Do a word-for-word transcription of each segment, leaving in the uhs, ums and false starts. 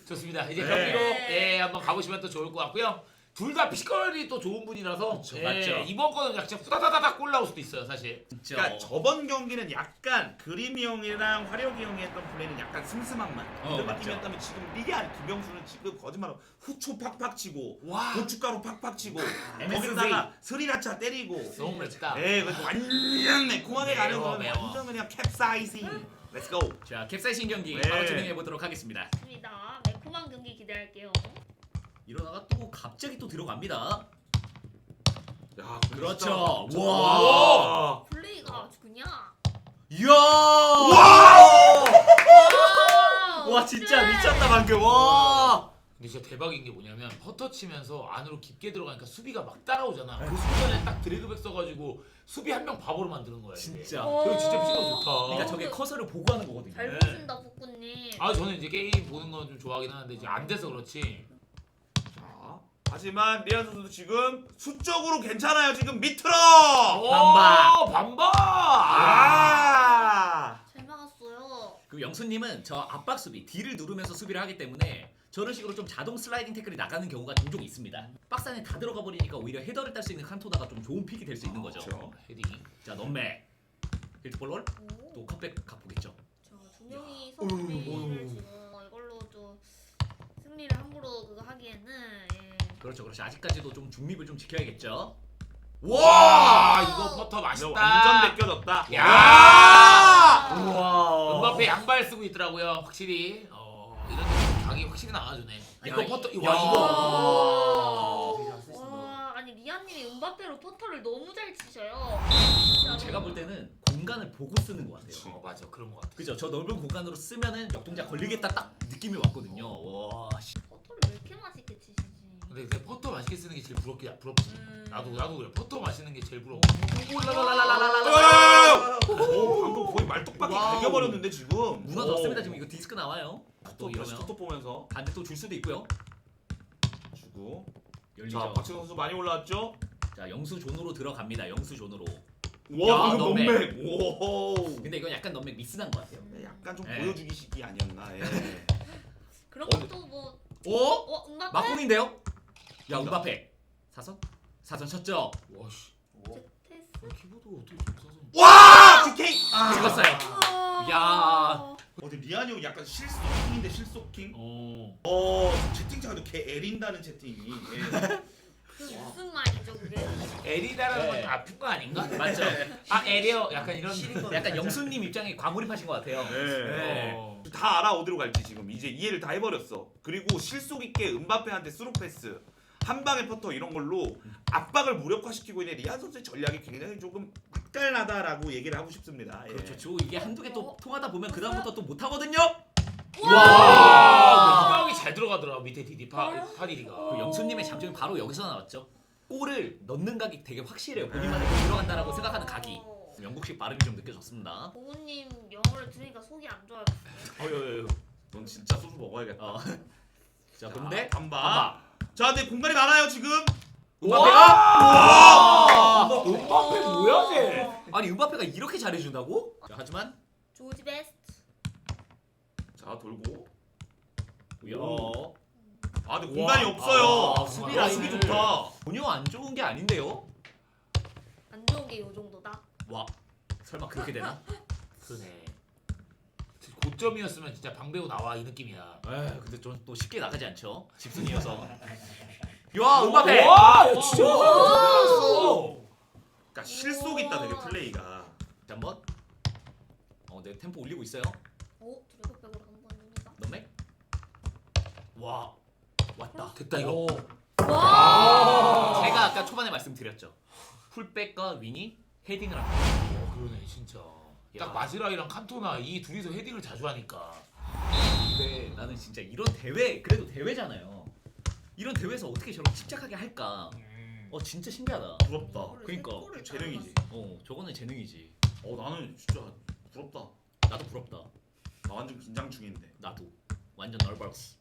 좋습니다. 이제 네. 경기로 예, 한번 가보시면 또 좋을 것 같고요. 둘 다 피지컬이 또 좋은 분이라서 그쵸, 예, 맞죠. 이번 거는 약간 후다다다닥 골 나올 수도 있어요, 사실. 진짜. 그러니까 저번 경기는 약간 그림이 형이랑 화력이 형이 했던 플레이는 약간 슴슴함만 어, 이런 맞죠. 느낌이었다면 지금 이게 아니 김영수는 지금 거짓말로 후추 팍팍 치고 와. 고춧가루 팍팍 치고 엠에스지. 거기다가 스리라차 때리고 너무 맵다. 네, 그래서 완전 매콤하게 가는 매워, 거는 매워. 완전 그냥 캡사이신 Let's go. 자, 캡사이신 경기 네. 바로 진행해 보도록 하겠습니다. 좋습니다. 매콤한 경기 기대할게요. 이러다가 또 갑자기 또 들어갑니다. 야, 그렇죠. 진짜. 와. 와. 플레이가 아주 그냥. 이야! 와, 진짜 미쳤다 방금. 와! 근데 진짜 대박인 게 뭐냐면 퍼터 치면서 안으로 깊게 들어가니까 수비가 막 따라오잖아. 그 순간에 딱 드래그백 써가지고 수비 한 명 바보로 만드는 거야. 이게. 진짜. 저기 진짜 피지컬 좋다. 그러니까 저게 커서를 보고 하는 거거든요. 잘 네. 보신다 복구님. 아 저는 이제 게임 보는 건 좀 좋아하긴 하는데 이제 안 돼서 그렇지. 자, 하지만 리안 선수도 지금 수적으로 괜찮아요. 지금 밑으로. 반박. 오, 반박. 아. 잘 막았어요. 그 영수님은 저 압박 수비, D를 누르면서 수비를 하기 때문에 저런 식으로 좀 자동 슬라이딩 태클이 나가는 경우가 종종 있습니다. 박스 안에 다 들어가 버리니까 오히려 헤더를 딸 수 있는 칸토나가 좀 좋은 픽이 될 수 있는 거죠. 그렇죠. 헤딩. 자, 넘맥. 힐트볼롤. 오. 또 컵백 각보겠죠. 자, 두 명이 성공을 지금 이걸로 좀 승리를 함부로 그거 하기에는 예. 그렇죠, 그렇죠. 아직까지도 좀 중립을 좀 지켜야겠죠. 와 이거 퍼터 맛있다. 완전 벗겨졌다. 야! 우와. 음바페 양발 쓰고 있더라고요. 확실히 어, 이런 데 각이 확실히 나와주네. 이거 야, 퍼터 야. 와 이거. 와, 아니 리안님이 음바페로 포터를 너무 잘 치셔요. 진짜로. 제가 볼 때는 공간을 보고 쓰는 것 같아요. 어 맞아 그런 것 같아. 그죠? 저 넓은 공간으로 쓰면은 역동작 걸리겠다 딱 느낌이 왔거든요. 와, 씨. 포터를 왜 이렇게 맛있게 치시지? 근데 근데 퍼터 맛있게 쓰는 게 제일 부럽게 부럽지. 음. 나도 나도 그래. 퍼터 맛있는 게 제일 부러워. 오, 방금 거의 말뚝박이 와우. 갈겨버렸는데 지금. 무너졌습니다. 지금 이거 디스크 나와요. 또 또 다시 이러면 톡톡 보면서 반대 또 줄 수도 있고요. 주고. 열리죠. 자, 박지성 선수 많이 올라왔죠? 자, 영수 존으로 들어갑니다. 영수 존으로. 와, 야, 방금 넘맥. 넘맥. 오. 근데 이건 약간 넘맥 미스난 것 같아요. 네, 약간 좀 예. 보여주기 시기 아니었나. 예. 그런 어, 것도 뭐 오? 어, 음바페? 막공인데요? 야, 음바페. 사선? 사선 쳤죠? 와씨. 테스. 키보드 어떻게 좀 써서. 와! 디케이! 아. 찍었어요. 야. 어디 리안이 형 약간 실속킹인데 실속킹? 어. 어, 채팅창에도 개 애린다는 채팅이. 예. 그 무슨 말이죠 그게? 에리다라는 건 네. 좀 아픈 거 아닌가? 맞죠? 아 에리어 약간 이런. 약간 영수님 입장에 과몰입하신 것 같아요. 네. 어. 다 알아 어디로 갈지 지금 이제 이해를 다 해버렸어. 그리고 실속 있게 음바페한테 스루 패스, 한 방에 퍼터 이런 걸로 압박을 무력화시키고 있는 리안 선수의 전략이 굉장히 조금 맛깔나다라고 얘기를 하고 싶습니다. 예. 그렇죠. 저 이게 한두 개 또 통하다 보면 그 다음부터 또 못 하거든요. 와. 이방이 잘 들어가더라 밑에 디디 파 파디디가. 그 영수님의 장점이 바로 여기서 나왔죠. 골을 넣는 각이 되게 확실해요. 본인만의 골 들어간다라고 생각하는 각이. 영국식 발음이 좀 느껴졌습니다. 보우님 영어를 들으니까 속이 안 좋아요. 어여여여. 넌 진짜 소주 먹어야겠다. 어. 자, 근데 반바. 자, 근데 공간이 많아요 지금. 음바페가 와. 음바페 뭐야 쟤? 아니 음바페가 이렇게 잘해준다고? 자, 하지만 조지 베스트. 자, 돌고. 야, 아, 근데 공간이 와. 없어요. 아, 수비 야, 라인이. 수비 좋다. 전혀 안 좋은 게 아닌데요? 안 좋은 게 요 정도다. 와, 설마 그렇게 되나? 그러네. 고점이었으면 진짜 방배우 나와 이 느낌이야. 에이, 근데 전 또 쉽게 나가지 않죠. 집순이어서. 야, 음바페. 와, 야, 진짜. 오. 그러니까 실속 있다 되게 플레이가. 자, 한번. 어, 네 템포 올리고 있어요. 오 드래곤백으로 한번 합니다. 넘맥. 와, 왔다. 됐다 이거. 오. 와. 제가 아까 초반에 말씀드렸죠. 풀백과 윙이 헤딩을 합니다. 어, 그러네 진짜. 딱 야. 마즈라이랑 칸토나 이 둘이서 헤딩을 자주 하니까. 근데 나는 진짜 이런 대회, 그래도 대회잖아요. 이런 대회에서 어떻게 저렇게 침착하게 할까? 어, 진짜 신기하다. 부럽다. 그러니까. 재능이지. 어, 저거는 재능이지. 어, 나는 진짜 부럽다. 나도 부럽다. 나 완전 긴장 중인데. 나도 완전 널버스.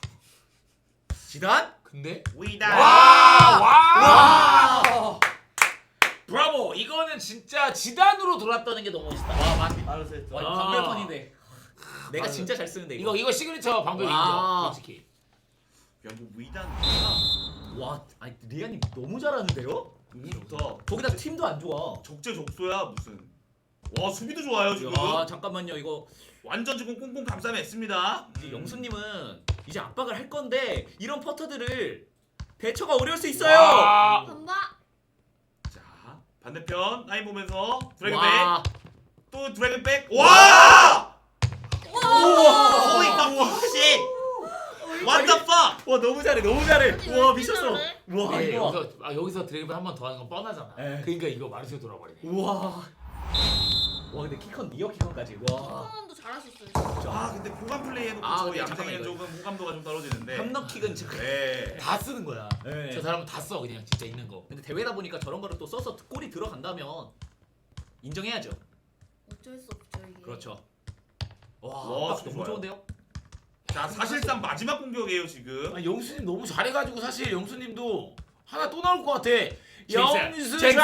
지단? 근데 위다. 와! 와! 와! 브라보! 이거는 진짜 지단으로 돌았다는 게 너무 멋있다. 와, 맞. 알았어 했어. 와, 이거 아. 강별판인데. 내가 아, 진짜 잘 쓰는데 이거 이거. 이거 시그니처 방법이 와. 인정. 솔직히. 야뭐 위단 와, 아니 리안이 너무 잘하는데요? 너무 좋다. 거기다 팀도 안 좋아. 적재적소야 무슨. 와 수비도 좋아요 지금. 야, 잠깐만요. 이거 완전 지금 꽁꽁 감싸매 했습니다. 이제 영수님은 이제 압박을 할 건데 이런 퍼터들을 대처가 어려울 수 있어요. 와. 간다. 자 반대편 라인 보면서 드래곤백 와, 또 드래곤백. 와! 와. 호이 씨. What the fuck? 와 너무 잘해, 너무 잘해. 아니, 와 왜 미쳤어. 이렇게 와 예, 이거. 여기서 아, 여기서 드래곤 한 번 더 하는 건 뻔하잖아. 예. 그러니까 이거 마르세 돌아버리네. 우와. 와 근데 키컨 리어 키컨까지. 와. 성원도 잘하셨어요. 아 근데 보관 플레이 해놓고 아, 저 근데 얌생이는 잠깐만, 이거. 조금 호감도가 좀 떨어지는데. 함럭킥은 지금. 네. 다 쓰는 거야. 네. 저 사람은 다 써 그냥 진짜 있는 거. 근데 대회다 보니까 저런 거를 또 써서 골이 들어간다면 인정해야죠. 어쩔 수 없죠 이게. 그렇죠. 와, 와, 압박 너무 좋아요. 좋은데요? 자 사실상 마지막 공격이에요 지금. 아, 영수님 너무 잘해가지고 사실 영수님도 하나 또 나올 것 같아. 잭슨, 영수자 잭슨.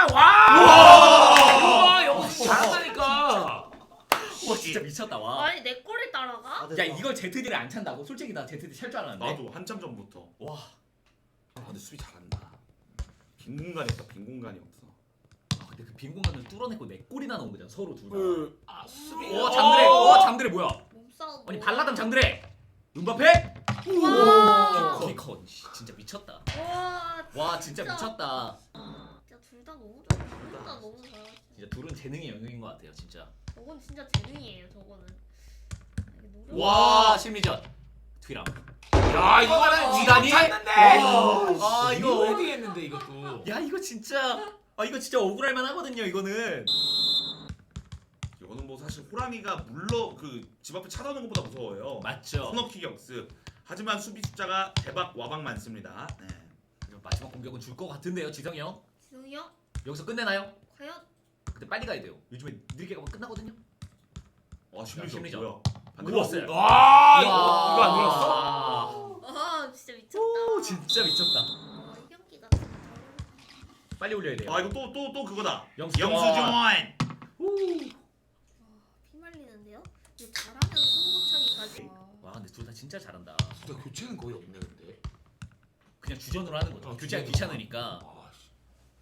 와! 와 영수 잘한다니까. 와 진짜 미쳤다 와. 아니 내 꼴을 따라가? 야 이걸 제트디를 안 찬다고? 솔직히 나 제트디 찰 줄 알았는데. 나도 한참 전부터. 와. 아 근데 수비 잘한다. 빈 공간이 없다. 빈 공간이 없어. 아, 근데 그 빈 공간을 뚫어내고 내 골이나 넣은 거잖아 서로 둘 다. 그, 아 수비. 오 장드레. 오 장드레 뭐야? 몸싸움. 아니 발라담 장드레. 음바페? 와. 키컨 진짜 미쳤다. 와. 와 진짜 미쳤다. 진짜 둘 다 너무 좋아. 둘 다 너무 잘하시네. 진짜 둘은 재능의 영역인 것 같아요 진짜. 저건 진짜 재능이에요. 저거는. 이게 노력. 와 심리전. 뒤랑. 야 이거는 지단이? 찼는데. 와. 아, 이거. 헤딩 했는데 이것도. 야 이거 진짜. 아 이거 진짜 억울할 만하거든요 이거는. 이거는 뭐 사실 호랑이가 물러 그 집 앞에 찾아오는 것보다 무서워요. 맞죠. 코너킥 역습. 하지만 수비 숫자가 대박 와박 많습니다. 네. 마지막 공격은 줄 것 같은데요 지성이 형. 지성이 형? 여기서 끝내나요? 과연? 근데 빨리 가야 돼요. 요즘에 느리게 가면 끝나거든요. 와 심리전 심리전. 뭐야? 눌렀어요. 와 이거 이거 안 눌렀어? 눌렀어? 아 진짜 미쳤다. 오 진짜 미쳤다. 아, 이 경기가 진짜 잘해. 빨리 올려야 돼요. 아 이거 또 또 또 그거다. 영수증. 영수증. 피말리는데요? 이거 잘하면 승부차기까지. 와 근데 둘 다 진짜 잘한다. 근데 교체는 거의 없네 근데. 그냥 주전으로 하는 거죠. 어, 교체가 주전으로. 귀찮으니까. 아, 씨.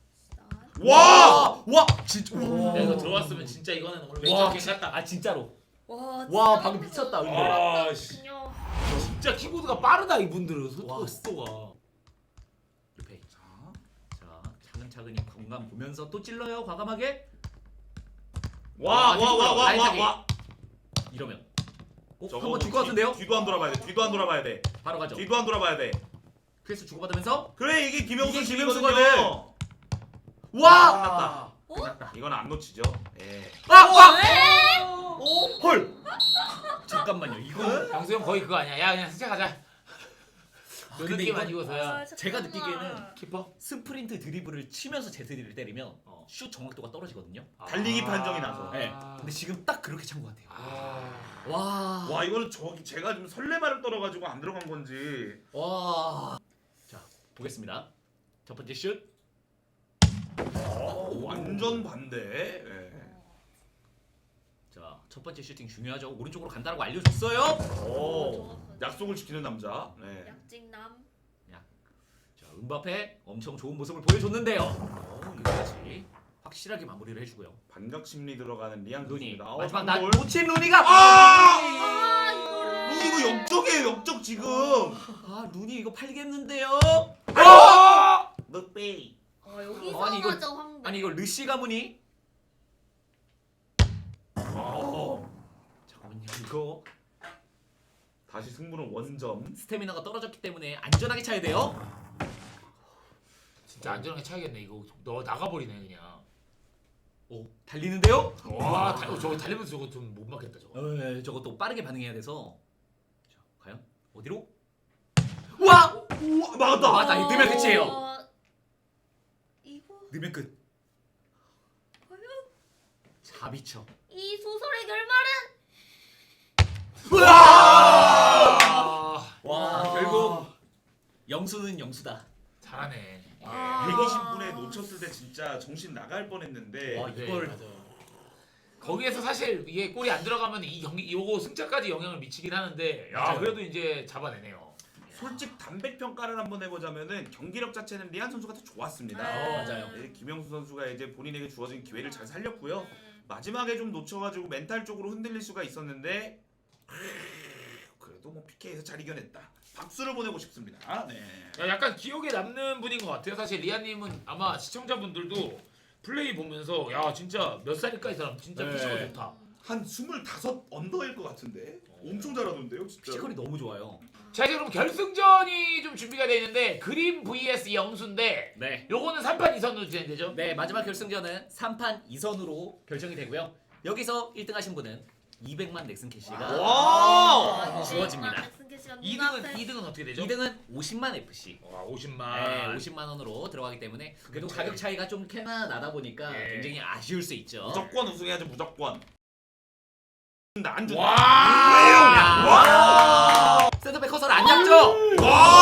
와! 와 진짜. 와. 야 이거 들어왔으면 진짜 이거는 오늘 와 왼쪽 진짜. 아 진짜로. 와, 와, 방금 미쳤다, 근데. 아, 씨. 그냥 진짜 키보드가 빠르다 이분들은 와. 속도 속도가. 루페이. 자, 자 차근차근히 공간 보면서 또 찔러요 과감하게. 와, 아, 와, 와, 와, 라인 와, 타기. 와. 이러면. 어, 저거 한번 줄 것 같은데요? 뒤도 안 돌아봐야 돼. 뒤도 안 돌아봐야 돼. 바로 가죠. 뒤도 안 돌아봐야 돼. 크리스 주고받으면서. 그래 이게 김영수 이게 집이거든요. 김영수거든. 와! 와. 어? 끝났다. 이건 안 놓치죠. 예. 아! 아! 왜? 헐. 잠깐만요. 이거는 양수 형 거의 그거 아니야? 야 그냥 스쳐 가자. 그 근데 느낌 이건- 아니고서야. 아, 제가 잠깐만. 느끼기에는 키퍼? 스프린트 드리블을 치면서 제트디를 때리면 어, 슛 정확도가 떨어지거든요. 달리기 판정이 나서. 네. 근데 지금 딱 그렇게 찬 것 같아요. 아. 와. 와 이거는 저기 제가 좀 설레발을 떨어가지고 안 들어간 건지. 와. 자 보겠습니다. 첫 번째 슛. 어, 완전 반대. 예. 자 첫 번째 슈팅 중요하죠. 오른쪽으로 간다라고 알려줬어요. 오, 좋았어. 약속을 지키는 남자. 네. 약직남. 자 음바페 엄청 좋은 모습을 보여줬는데요. 어, 여기까지 확실하게 마무리를 해주고요. 반격 심리 들어가는 리안 루니 선수입니다. 어, 마지막 날 골. 놓친 루니가. 아! 아 이거를. 루니 이거 역적이에요, 역적 지금. 아 루니 이거 팔겠는데요. 아! 늑베이. 아 여기서 아니, 이거- 맞아 황배. 아니 이거 르시 가문이. 어. 잠깐만요 이거 다시 승부는 원점. 스태미나가 떨어졌기 때문에 안전하게 차야 돼요. 진짜 안전하게 차야겠네 이거. 너 나가버리네 그냥. 오 달리는데요. 와 다, 어, 저거 달리면서 저거 좀 못 맞겠다 저거. 에 저거 또 빠르게 반응해야 돼서. 자 과연 어디로? 와 우와, 막았다. 맞다. 이거 넣으면 끝이에요. 어, 이거 넣으면 끝. 과연 자비쳐. 이 소설의 결말은? 아. 와 결국 영수는 영수다. 잘하네. 아. 백이십 분에 놓쳤을 때 진짜 정신 나갈 뻔했는데. 와, 네, 이걸- 맞아. 거기에서 사실 이게 골이 안 들어가면 이 경기 요거 승차까지 영향을 미치긴 하는데 야 맞아요. 그래도 이제 잡아내네요. 솔직 담백 평가를 한번 해보자면은 경기력 자체는 리안 선수가 더 좋았습니다. 어, 맞아요. 네, 김영수 선수가 이제 본인에게 주어진 기회를 잘 살렸고요. 음. 마지막에 좀 놓쳐가지고 멘탈적으로 흔들릴 수가 있었는데 그래도 뭐 피케이에서 잘 이겨냈다. 박수를 보내고 싶습니다. 네. 야, 약간 기억에 남는 분인 것 같아요. 사실 리아님은 아마 시청자분들도 플레이 보면서 야 진짜 몇 살일까 이 사람 진짜 네. 피지컬 좋다. 한 스물다섯 언더일 것 같은데 엄청 잘하던데요, 진짜. 피지컬이 너무 좋아요. 자 이제 그럼 결승전이 좀 준비가 돼 있는데 그림 vs 영수인데 네. 요거는 삼 판 이 선으로 진행되죠? 네, 마지막 결승전은 삼 판 이 선으로 결정이 되고요. 여기서 일 등 하신 분은 이백만 넥슨 캐시가 와! 주어집니다. 이 등은 이 등은 어떻게 되죠? 이 등은 오십만 에프씨. 와 오십만. 네, 오십만 원으로 들어가기 때문에 그래도 차이. 가격 차이가 좀 꽤나 나다 보니까 예. 굉장히 아쉬울 수 있죠. 무조건 우승해야죠, 무조건. 안 준다. 와! 야. 센터백 커서를 안 잡죠? 와!